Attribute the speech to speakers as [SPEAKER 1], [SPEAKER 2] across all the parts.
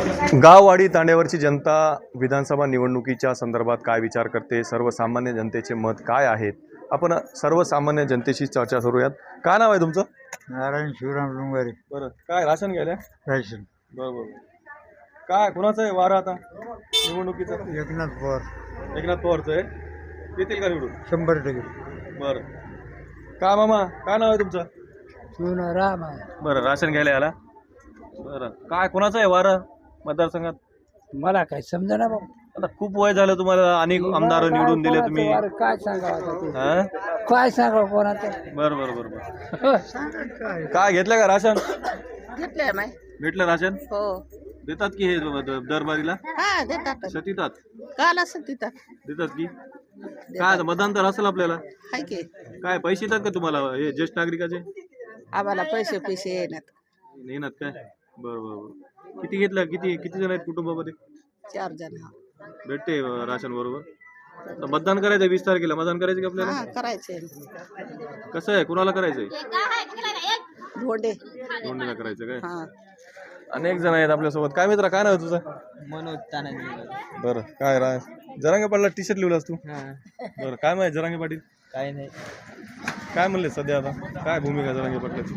[SPEAKER 1] गाववाडी तांड्यावरची जनता विधानसभा निवडणुकीच्या संदर्भात काय विचार करते, सर्वसामान्य जनतेचे मत काय आहेत, आपण सर्वसामान्य जनतेशी चर्चा करूयात. काय नाव आहे तुमचं?
[SPEAKER 2] नारायण शिवराम डोंगरे.
[SPEAKER 1] बरं, काय राशन घ्यायला?
[SPEAKER 2] रायशन.
[SPEAKER 1] बरोबर. काय कोणाचं आहे वारं आता निवडणुकीचं?
[SPEAKER 2] एकनाथ पवार.
[SPEAKER 1] एकनाथ पवारचं आहे. येतील का निवडून?
[SPEAKER 2] 100%.
[SPEAKER 1] बरं. काय मामा, काय नाव आहे तुमचं?
[SPEAKER 2] शिवराम आहे.
[SPEAKER 1] बरं, राशन घ्यायला आला. बरं, काय कोणाचं आहे वारं मतदारसंघात?
[SPEAKER 2] मला काय समजा ना बाबा.
[SPEAKER 1] आता खूप वय झालं तुम्हाला, अनेक आमदार निवडून दिले तुम्ही.
[SPEAKER 2] काय सांगावं
[SPEAKER 1] हा?
[SPEAKER 2] काय सांगावं कोणाचं?
[SPEAKER 1] बरं बरं बरं बरं. काय घेतलं का राशन?
[SPEAKER 3] घेतलंय माय.
[SPEAKER 1] भेटलं राशन?
[SPEAKER 3] हो.
[SPEAKER 1] देतात की हे दरबारीला?
[SPEAKER 3] हा देतात.
[SPEAKER 1] देतात.
[SPEAKER 3] काल असं देतात.
[SPEAKER 1] देतात की काय आता मतदान तर असेल आपल्याला.
[SPEAKER 3] हाय की
[SPEAKER 1] काय पैसे येतात का तुम्हाला हे ज्येष्ठ नागरिकाचे?
[SPEAKER 3] आम्हाला पैसे येणार.
[SPEAKER 1] येणार काय? बरं बरं बरं. किती घेतलं? किती किती जण आहेत कुटुंबामध्ये?
[SPEAKER 3] 4 जण.
[SPEAKER 1] भेटते राशन बरोबर. तर मतदान करायचं 20 तारखेला. मतदान करायचं का आपल्याला?
[SPEAKER 3] हा करायचे.
[SPEAKER 1] कसं आहे, कुणाला करायचंय?
[SPEAKER 3] धोंडे.
[SPEAKER 1] दोंडीला करायचं काय?
[SPEAKER 3] हा.
[SPEAKER 1] अनेक जण आहेत आपल्यासोबत. काय मित्रा, काय नाव आहे तुझं?
[SPEAKER 2] मनोज तानाजी.
[SPEAKER 1] बरं, काय जरांगे पाटला टी शर्ट लिहिलास तू? बरं, काय माहिती जरांगे पाटील?
[SPEAKER 2] काय नाही.
[SPEAKER 1] काय म्हणले सध्या आता? काय भूमिका जरांगे पाटलाची?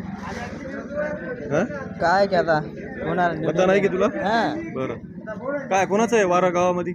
[SPEAKER 2] काय की आता कोणाला
[SPEAKER 1] मतदान आहे की तुला?
[SPEAKER 2] हा.
[SPEAKER 1] बरं, काय कोणाचं आहे वारा गावामध्ये?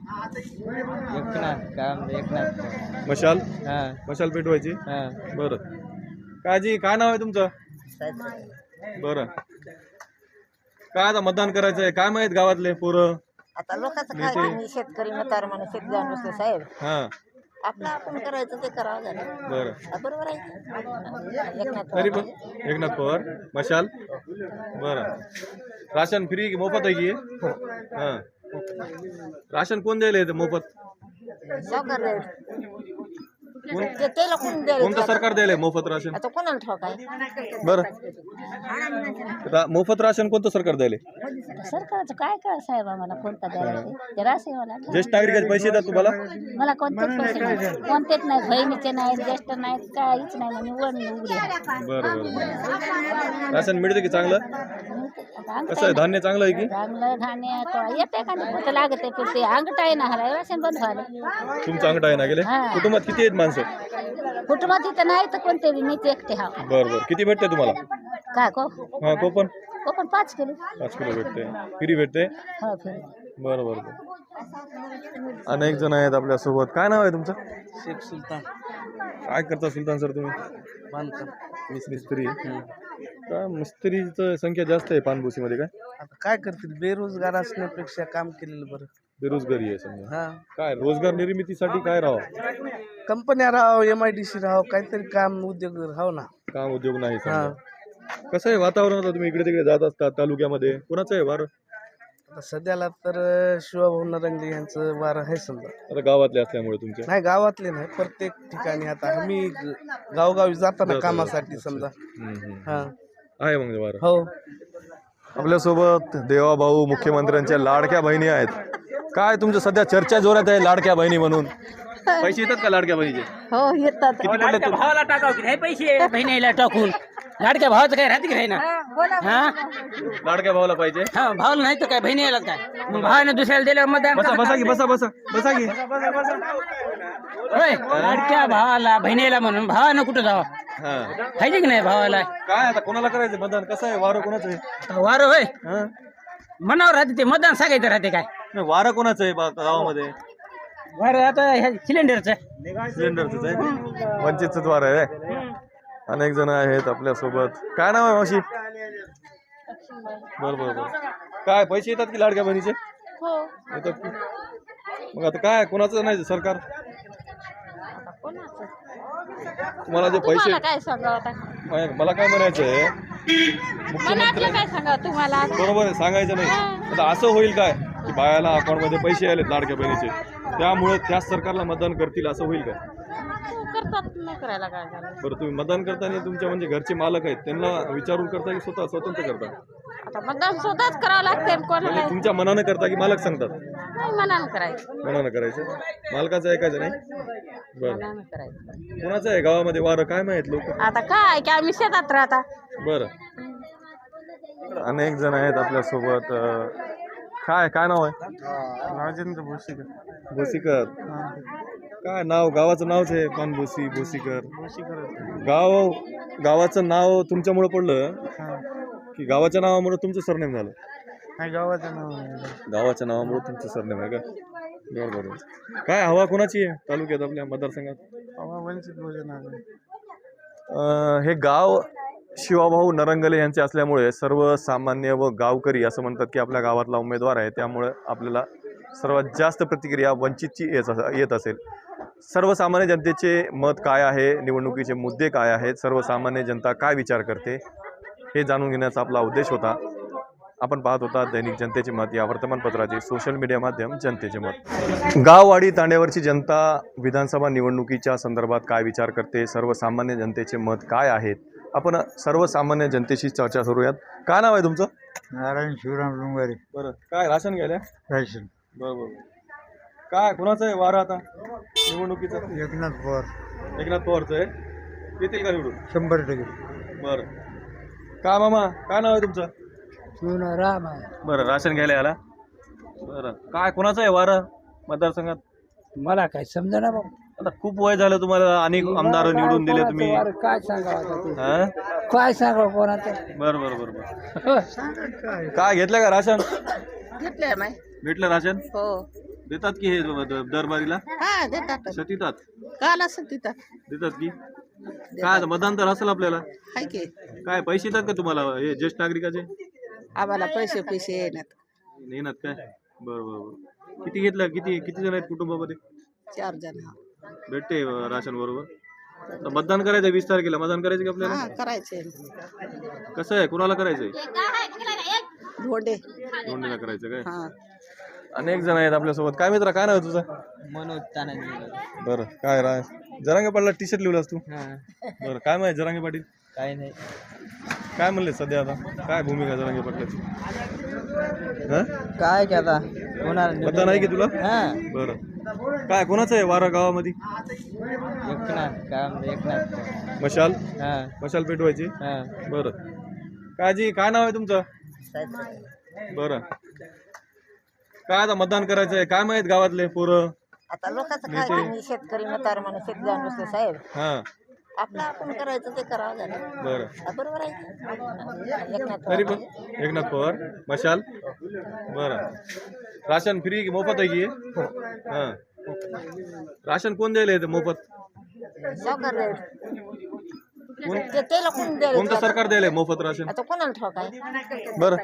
[SPEAKER 2] एकनाथ.
[SPEAKER 1] मशाल?
[SPEAKER 2] हा.
[SPEAKER 1] मशाल पेटवायची?
[SPEAKER 2] हा.
[SPEAKER 1] बरं. काजी, काय नाव आहे तुमचं? बरं, काय आता मतदान करायचं आहे? काय माहित गावातले पोरं?
[SPEAKER 3] आता लोकांचं काय तुम्ही शेतकरी मतार म्हणून शेत जाऊन बसले साहेब.
[SPEAKER 1] हा.
[SPEAKER 3] आपलं आपण करायचं ते करावं झालं.
[SPEAKER 1] बरं,
[SPEAKER 3] बरोबर आहे. एकनाथ
[SPEAKER 1] तरी पण एकनाथ पवार मशाल. बरं, राशन फ्री मोफत आहे की? हा. राशन कोण द्यायला येतं मोफत?
[SPEAKER 3] सावकार रे.
[SPEAKER 1] कोण?
[SPEAKER 3] त्याला कोण द्यायला?
[SPEAKER 1] कोणतं सरकार द्यायला मोफत राशन?
[SPEAKER 3] आता कोणाला ठाऊक आहे?
[SPEAKER 1] बरं, मोफत राशन कोणतं सरकार द्यायला?
[SPEAKER 3] सरकारचं काय काय साहेब आम्हाला कोणता द्यायला ते राहते मला.
[SPEAKER 1] ज्येष्ठ नागरिकाचे पैसे येतात तुम्हाला?
[SPEAKER 3] मला कोणतेच पैसे नाही, कोणतेच नाही, बहिणीचे नाही, ज्येष्ठ नाहीत, काहीच नाही. निवड उघडी आहे.
[SPEAKER 1] बरं बरं बरं. राशन मिळतं की चांगलं? कसं आहे, धान्य चांगलं आहे की?
[SPEAKER 3] चांगलं धान्य येते का नाही पोतं लागत आहे, पण ते अंगठ आहे ना हराय राशन बंद व्हायला.
[SPEAKER 1] तुमचं अंगठा आहे ना गेले?
[SPEAKER 3] हा.
[SPEAKER 1] कुटुंबात किती आहेत माणसं?
[SPEAKER 3] कुटुंबात इथं नाही तर कोणते बी मीच एकटे हा.
[SPEAKER 1] बरं बरं. किती भेटते तुम्हाला?
[SPEAKER 3] काय को
[SPEAKER 1] हा, कोपन?
[SPEAKER 3] Coupon 5 kilo.
[SPEAKER 1] 5 किलो भेटते. फ्री भेटते?
[SPEAKER 3] हो फिर.
[SPEAKER 1] बरं बरं बरं. अनेक जण आहेत आपल्यासोबत. काय नाव आहे तुमचं?
[SPEAKER 2] शेख सुलतान.
[SPEAKER 1] काय करता सुलतान सर तुम्ही?
[SPEAKER 2] बांधकाम.
[SPEAKER 1] मिस्त्री. काय मिस्त्रीचं संख्या जास्त आहे पानभुसीमध्ये? काय
[SPEAKER 2] आता काय करतील, बेरोजगार असण्यापेक्षा काम केलेलं बरं.
[SPEAKER 1] बेरोजगारी आहे समजा.
[SPEAKER 2] हा.
[SPEAKER 1] काय रोजगार निर्मितीसाठी काय राहावं?
[SPEAKER 2] कंपन्या राहाव, MIDC राहाव, काहीतरी काम उद्योग राहाव ना.
[SPEAKER 1] काम उद्योग नाही
[SPEAKER 2] हा.
[SPEAKER 1] समजा. कसं आहे वातावरण आता? तुम्ही इकडे तिकडे जात असता तालुक्यामध्ये, कोणाचं आहे वारं?
[SPEAKER 2] आता सध्याला तर शिवाभाऊ नरंगे यांचं वार आहे समजा.
[SPEAKER 1] आता गावातले असल्यामुळे तुमच्या?
[SPEAKER 2] नाही, गावातले नाही, प्रत्येक ठिकाणी. आता आम्ही गावगावी जाताना कामासाठी समजा. हा.
[SPEAKER 1] आहे मग वारं.
[SPEAKER 2] हो.
[SPEAKER 1] आपल्यासोबत देवाभाऊ मुख्यमंत्र्यांच्या लाडक्या बहिणी आहेत. काय तुमचं सध्या चर्चा जोरात आहे लाडक्या बहिणी म्हणून? पैसे येतात का लाडक्या बहिणीचे?
[SPEAKER 3] हो येतात.
[SPEAKER 1] किती पडले तुम्ही?
[SPEAKER 4] भावाला टाकाव की नाही पैसे बहिणीला टाकून लाडक्या भावाचं काय राहते की नाही ना? हा.
[SPEAKER 1] लाडक्या भावाला पाहिजे?
[SPEAKER 4] हा, भावाला नाही तर काय बहिणीला काय? मग भावाने दुसऱ्याला दिल्यावर मतदान
[SPEAKER 1] बसा
[SPEAKER 4] कसं
[SPEAKER 1] बसा की,
[SPEAKER 4] करते?
[SPEAKER 1] बसा बसा बसा की.
[SPEAKER 4] होय, लाडक्या भावाला बहिणीला म्हणून भावानं कुठं जावं
[SPEAKER 1] हा.
[SPEAKER 4] पाहिजे की नाही भावाला?
[SPEAKER 1] काय आता कोणाला करायचं मतदान? कसं आहे वारं कोणाचं आहे?
[SPEAKER 4] वारं होय,
[SPEAKER 1] हा?
[SPEAKER 4] मनावर राहते ते मतदान सांगायचं राहते काय?
[SPEAKER 1] नाही, वारं कोणाचं आहे गावामध्ये?
[SPEAKER 4] वारं आता ह्या सिलेंडरचं
[SPEAKER 1] सिलेंडरच आहे. वंचितच वारं आहे. अनेक जण आहेत आपल्यासोबत. काय नाव आहे मावशी? बरं बरं बरं. काय पैसे येतात की लाडक्या बहिणीचे?
[SPEAKER 3] हो.
[SPEAKER 1] येतात की? मग आता काय कोणाचं नाही सरकार? तुम्हाला जे पैसे,
[SPEAKER 3] काय सांगा आता?
[SPEAKER 1] मला काय म्हणायचं आहे, मुख्यमंत्री
[SPEAKER 3] काय सांगा तुम्हाला?
[SPEAKER 1] बरोबर आहे, सांगायचं नाही. आता असं होईल काय की बायाला अकाउंटमध्ये पैसे आलेत लाडक्या बहिणीचे, त्यामुळे त्याच सरकारला मतदान करतील असं होईल का?
[SPEAKER 3] करतात नाही करायला काय झालं.
[SPEAKER 1] बरं, तुम्ही मतदान करताना तुमच्या म्हणजे घरचे मालक आहेत त्यांना विचारून करता की स्वतंत्र करता?
[SPEAKER 3] आता मतदान स्वतःच करावं लागते. कोणाला
[SPEAKER 1] म्हणजे तुमच्या मनानं करता की मालक सांगतात?
[SPEAKER 3] नाही मनानं करायचं.
[SPEAKER 1] मनानं करायचं. मालकाचं ऐकायचं नाही? बरं.
[SPEAKER 3] मनानं करायचं.
[SPEAKER 1] कोणाचं आहे गावामध्ये वारं काय माहित लोक?
[SPEAKER 3] आता काय की आम्ही शेतात राहता.
[SPEAKER 1] बरं. अनेक जण आहेत आपल्यासोबत. काय नाव आहे?
[SPEAKER 2] राजेंद्र भोसीकर.
[SPEAKER 1] भोसीकर. काय नाव? गावाचं नावच आहे पानभोसी भोसीकर. गावाचं नाव तुमच्यामुळे पडलं की गावाच्या नावामुळे तुमचं सरनेम झालं?
[SPEAKER 2] नाही, गावाचं नाव आहे.
[SPEAKER 1] गावाच्या नावामुळे तुमचं सरनेम आहे का? बरोबर. काय हवा कोणाची आहे तालुक्यात आपल्या मतदारसंघात?
[SPEAKER 2] वंचित बहुजन आघाडी.
[SPEAKER 1] हे गाव शिवाभाऊ नरंगले यांचे असल्यामुळे सर्वसामान्य व गावकरी असं म्हणतात की आपल्या गावातला उमेदवार आहे, त्यामुळे आपल्याला सर्वात जास्त प्रतिक्रिया वंचितची येत असेल. सर्वसामान्य जनतेचे मत काय आहे, निवडणुकीचे मुद्दे काय आहेत, सर्वसामान्य जनता काय विचार करते हे जाणून घेण्याचा आपला उद्देश होता. आपण पाहत होता दैनिक जनतेचे मत या वर्तमानपत्राचे सोशल मीडिया माध्यम जनतेचे मत. गाववाडी तांड्यावरची जनता विधानसभा निवडणुकीच्या संदर्भात काय विचार करते, सर्वसामान्य जनतेचे मत काय आहेत, आपण सर्वसामान्य जनतेशी चर्चा करूयात. काय नाव आहे तुमचं?
[SPEAKER 5] नारायण शिवराम डोंगरे.
[SPEAKER 1] बरं. काय राशन घ्यायला?
[SPEAKER 5] रायशन.
[SPEAKER 1] बरोबर. काय कोणाचं आहे वारं आता निवडणुकीचं?
[SPEAKER 5] एकनाथ पवार.
[SPEAKER 1] एकनाथ पवारचं आहे. येतील का निवडून?
[SPEAKER 5] 100%.
[SPEAKER 1] बरं. काय मामा, काय नाव आहे तुमचं?
[SPEAKER 5] राम आहे.
[SPEAKER 1] बरं. राशन घ्यायला आला? बरं. काय कोणाचं आहे वारं मतदारसंघात?
[SPEAKER 5] मला काय समजा ना बाबा.
[SPEAKER 1] आता खूप वय झालं तुम्हाला, अनेक आमदार निवडून दिले तुम्ही.
[SPEAKER 5] काय सांगावं
[SPEAKER 1] हा?
[SPEAKER 5] काय सांगावं कोणाचं?
[SPEAKER 1] बरं बरं बरं बरं. काय घेतलं का राशन?
[SPEAKER 6] घेतलंय माय.
[SPEAKER 1] भेटलं राशन?
[SPEAKER 6] हो.
[SPEAKER 1] देतात की हे दरबारीला?
[SPEAKER 6] हा, देतात.
[SPEAKER 1] सतीतात
[SPEAKER 6] काल असं देतात.
[SPEAKER 1] देतात की? काय आता मतदान तर असेल आपल्याला?
[SPEAKER 6] हाय की
[SPEAKER 1] काय पैसे येतात का तुम्हाला हे ज्येष्ठ नागरिकाचे?
[SPEAKER 6] आम्हाला पैसे येणार.
[SPEAKER 1] येणार काय? बरं बरं बरं. किती घेतलं? किती जण आहेत कुटुंबामध्ये?
[SPEAKER 6] 4 जण.
[SPEAKER 1] भेटते राशन बरोबर. तर मतदान करायचं 20 तारखेला. मतदान करायचं का आपल्याला?
[SPEAKER 6] हा, करायचे.
[SPEAKER 1] कसं आहे, कुणाला करायचंय?
[SPEAKER 6] धोंडे.
[SPEAKER 1] दोंडीला करायचं काय?
[SPEAKER 6] हा.
[SPEAKER 1] अनेक जण आहेत आपल्यासोबत. काय मित्रा, काय नाव आहे तुझं?
[SPEAKER 5] मनोज तानाजी.
[SPEAKER 1] बरं. काय जरांगे पाटला टी शर्ट लिहिलास तू? बरं. काय माहिती जरांगे पाटील?
[SPEAKER 5] काय नाही.
[SPEAKER 1] काय म्हणले सध्या आता? काय भूमिका आहे जरांगे पाटलाची?
[SPEAKER 5] काय की आता कोणाला
[SPEAKER 1] मतदान आहे की तुला?
[SPEAKER 5] हा.
[SPEAKER 1] बरं. काय कोणाचं आहे वारं गावामध्ये?
[SPEAKER 5] एकनाथ. काय म्हणजे एकनाथ.
[SPEAKER 1] मशाल?
[SPEAKER 5] हा.
[SPEAKER 1] मशाल पेटवायची?
[SPEAKER 5] हा.
[SPEAKER 1] बरं. काजी, काय नाव आहे तुमचं? बरं. काय आता मतदान करायचंय? काय माहित गावातले पोरं?
[SPEAKER 6] आता लोकांचं काय, तुम्ही शेतकरी मतार म्हणून शेतकरी नुसते साहेब.
[SPEAKER 1] हा.
[SPEAKER 6] आपलं आपण करायचं ते करावं झालं.
[SPEAKER 1] बरं.
[SPEAKER 6] बरोबर आहे. एकनाथ
[SPEAKER 1] तरी पण एकनाथ पवार. मशाल? बरं. राशन फ्री की मोफत आहे की? हा. राशन कोण द्यायला येतं मोफत?
[SPEAKER 6] सावकार द्यायला.
[SPEAKER 1] कोण?
[SPEAKER 6] ते लोकून द्यायला.
[SPEAKER 1] कोणतं सरकार द्यायला मोफत राशन?
[SPEAKER 6] आता कोणाला ठाऊक आहे?
[SPEAKER 1] बरं.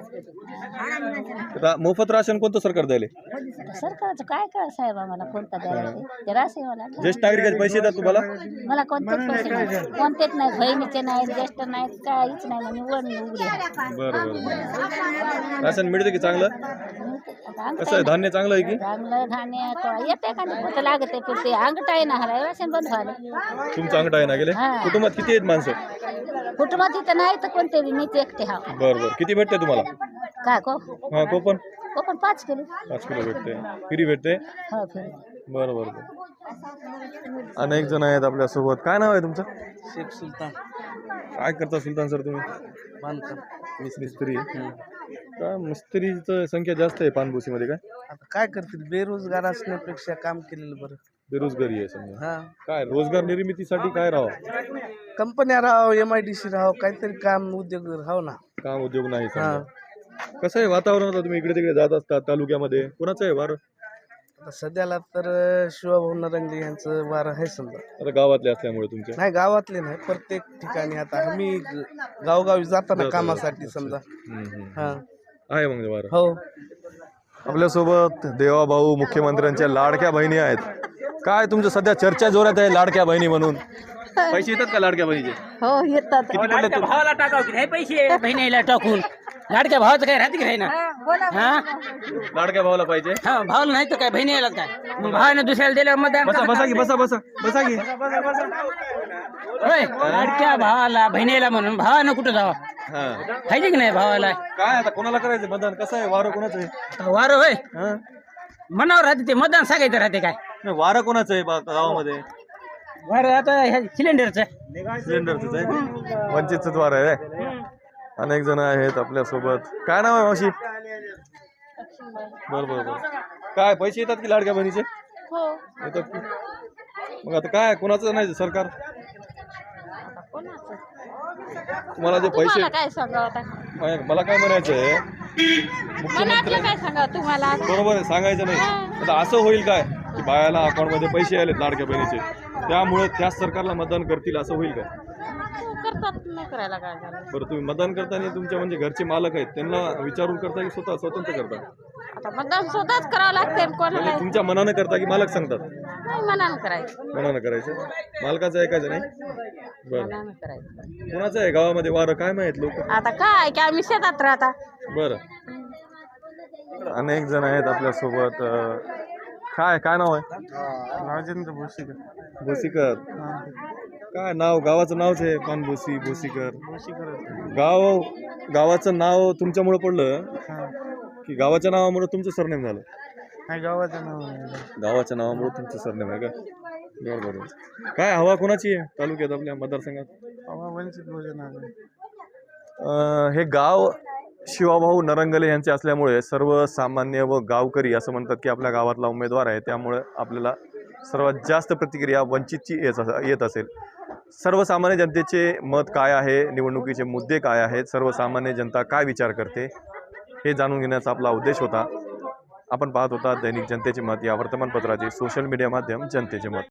[SPEAKER 1] आता मोफत राशन कोणतं सरकार द्यायला?
[SPEAKER 3] सरकारचं काय काय साहेब, आम्हाला कोणता द्यायला ते रासेवाला.
[SPEAKER 1] ज्येष्ठ नागरिकाचे पैसे येतात तुम्हाला?
[SPEAKER 3] मला कोणतेच पैसे नाही, कोणतेच नाही. बहिणीचे नाहीत, ज्येष्ठ नाहीत, काहीच नाही. म्हणजे निवड उघडी आहे.
[SPEAKER 1] बरं बरं. राशन मिळतं की चांगलं?
[SPEAKER 3] आता
[SPEAKER 1] कसं आहे, धान्य चांगलं आहे की?
[SPEAKER 3] चांगलं धान्य तो येते का नाही, कुठं लागते पण ते अंगठ आहे ना, हराय राशन बंद व्हायला.
[SPEAKER 1] तुमचं अंगठा आहे ना गेले?
[SPEAKER 3] हा.
[SPEAKER 1] कुटुंबात किती आहेत माणसं?
[SPEAKER 3] कुटुंबात इथं नाही तर कोणते बी, मीच एकटे हा.
[SPEAKER 1] बरं बरं. किती भेटते तुम्हाला?
[SPEAKER 3] काय को
[SPEAKER 1] हा, कोपन?
[SPEAKER 3] Coupon 5 kilo.
[SPEAKER 1] 5 किलो भेटते. फ्री भेटते?
[SPEAKER 3] हो फिर.
[SPEAKER 1] बरं बरं बरं. अनेक जण आहेत आपल्यासोबत. काय नाव आहे तुमचं?
[SPEAKER 2] शेख सुलतान.
[SPEAKER 1] काय करता सुलतान सर तुम्ही?
[SPEAKER 2] बांधकाम.
[SPEAKER 1] मिस्त्री. काय मिस्त्रीचं संख्या जास्त आहे पानभुसीमध्ये? काय
[SPEAKER 2] आता काय करतील, बेरोजगार असण्यापेक्षा काम केलेलं बरं.
[SPEAKER 1] बेरोजगारी आहे समजा.
[SPEAKER 2] हा.
[SPEAKER 1] काय रोजगार निर्मितीसाठी काय राहावं?
[SPEAKER 2] कंपन्या राहावं, MIDC राहावं, काहीतरी काम उद्योग राहावं ना.
[SPEAKER 1] काम उद्योग नाही
[SPEAKER 2] हा.
[SPEAKER 1] समजा. कसं आहे वातावरण? आता तुम्ही इकडे तिकडे जात असता तालुक्यामध्ये, कोणाचं आहे वारं?
[SPEAKER 2] आता सध्याला तर शिवाभाऊ नरंगले यांचं वार आहे समजा.
[SPEAKER 1] आता गावातले असल्यामुळे तुमच्या?
[SPEAKER 2] नाही, गावातले नाही, प्रत्येक ठिकाणी. आता आम्ही गावगावी जाताना कामासाठी समजा. हा.
[SPEAKER 1] आहे मग वारं.
[SPEAKER 2] हो.
[SPEAKER 1] आपल्यासोबत देवाभाऊ मुख्यमंत्र्यांच्या लाडक्या बहिणी आहेत. काय तुमचं सध्या चर्चा जोरात आहे लाडक्या बहिणी म्हणून? पैसे येतात का लाडक्या बहिणीचे?
[SPEAKER 6] हो, येतात.
[SPEAKER 1] किती पडले
[SPEAKER 4] लाडक्या भावाला टाकाव की नाही पैसे बहिणीला टाकून? लाडक्या भावाचं काय राहते की नाही ना? हा.
[SPEAKER 1] लाडक्या भावाला पाहिजे?
[SPEAKER 4] हा, भावाला नाही तर काय बहिणीला काय? मग भावाने दुसऱ्याला दिल्यावर मतदान
[SPEAKER 1] बसा बसा की, बसा बसा बसा की.
[SPEAKER 4] होय, लाडक्या भावाला बहिणीला म्हणून भावानं कुठं जावा?
[SPEAKER 1] हा.
[SPEAKER 4] पाहिजे की नाही भावाला?
[SPEAKER 1] काय आता कोणाला करायचं मतदान? कसं आहे वारं कोणाचं आहे?
[SPEAKER 4] वारं होय,
[SPEAKER 1] हा?
[SPEAKER 4] मनावर राहते ते मतदान सांगायचं राहते काय?
[SPEAKER 1] नाही, वारं कोणाचं आहे गावामध्ये?
[SPEAKER 4] वारं आता ह्या सिलेंडरचं.
[SPEAKER 1] सिलेंडरच आहे. वंचितच वारं आहे. अनेक जण आहेत आपल्या सोबत. काय नाव आहे मावशी? बरं बरं बरं. काय पैसे येतात की लाडक्या बहिणीचे?
[SPEAKER 3] हो
[SPEAKER 1] येतात की? मग आता काय कोणाचं नाही सरकार?
[SPEAKER 3] कोणाचं
[SPEAKER 1] तुम्हाला जे पैसे
[SPEAKER 3] तुम्हाला काय सांगावं आता
[SPEAKER 1] मला काय म्हणायचं आहे,
[SPEAKER 3] मनातलं काय सांगावं तुम्हाला
[SPEAKER 1] बरोबर आहे सांगायचं नाही. आता असं होईल काय की बायाला अकाउंटमध्ये पैसे आलेत लाडक्या बहिणीचे, त्यामुळे त्याच सरकारला मतदान करतील असं होईल काय?
[SPEAKER 3] करतात नाही करायला काय झालं
[SPEAKER 1] बरं तुम्ही मतदान करताना तुमच्या म्हणजे घरचे मालक आहेत त्यांना विचारून करता की स्वतः स्वतंत्र करता?
[SPEAKER 3] आता मतदान स्वतःच करावं लागते कोणाला
[SPEAKER 1] म्हणजे तुमच्या मनानं करता की मालक सांगतात?
[SPEAKER 3] नाही मनानं करायचं
[SPEAKER 1] मनानं करायचं, मालकाचं ऐकायचं नाही. बरं
[SPEAKER 3] मनानं करायचं
[SPEAKER 1] कोणाचं आहे गावामध्ये वारं काय माहित लोक?
[SPEAKER 3] आता काय की आम्ही शेतात राहता
[SPEAKER 1] बरं अनेक जण आहेत आपल्यासोबत. काय काय नाव आहे?
[SPEAKER 2] राजेंद्र भोसीकर.
[SPEAKER 1] भोसीकर. काय नाव? गावाचं नावच आहे पानभोसी भोसीकर. गावाचं नाव तुमच्यामुळे पडलं की गावाच्या नावामुळे तुमचं सरनेम झालं?
[SPEAKER 2] गावाचं नाव
[SPEAKER 1] गावाच्या नावामुळे तुमचं सरनेम आहे का? बरं बरं. काय हवा कोणाची आहे तालुक्यात आपल्या मतदारसंघात?
[SPEAKER 2] वंचित भोजन.
[SPEAKER 1] हे गाव शिवाभाऊ नरंगले यांचे असल्यामुळे सर्वसामान्य व गावकरी असं म्हणतात की आपल्या गावातला उमेदवार आहे, त्यामुळे आपल्याला सर्वात जास्त प्रतिक्रिया वंचितची येत असेल. सर्वसामान्य जनतेचे मत काय आहे, निवडणुकीचे मुद्दे काय आहेत, सर्वसामान्य जनता काय विचार करते हे जाणून घेण्याचा आपला उद्देश होता. आपण पाहत होता दैनिक जनतेचे मत या वर्तमानपत्राचे सोशल मीडिया माध्यम जनतेचे मत.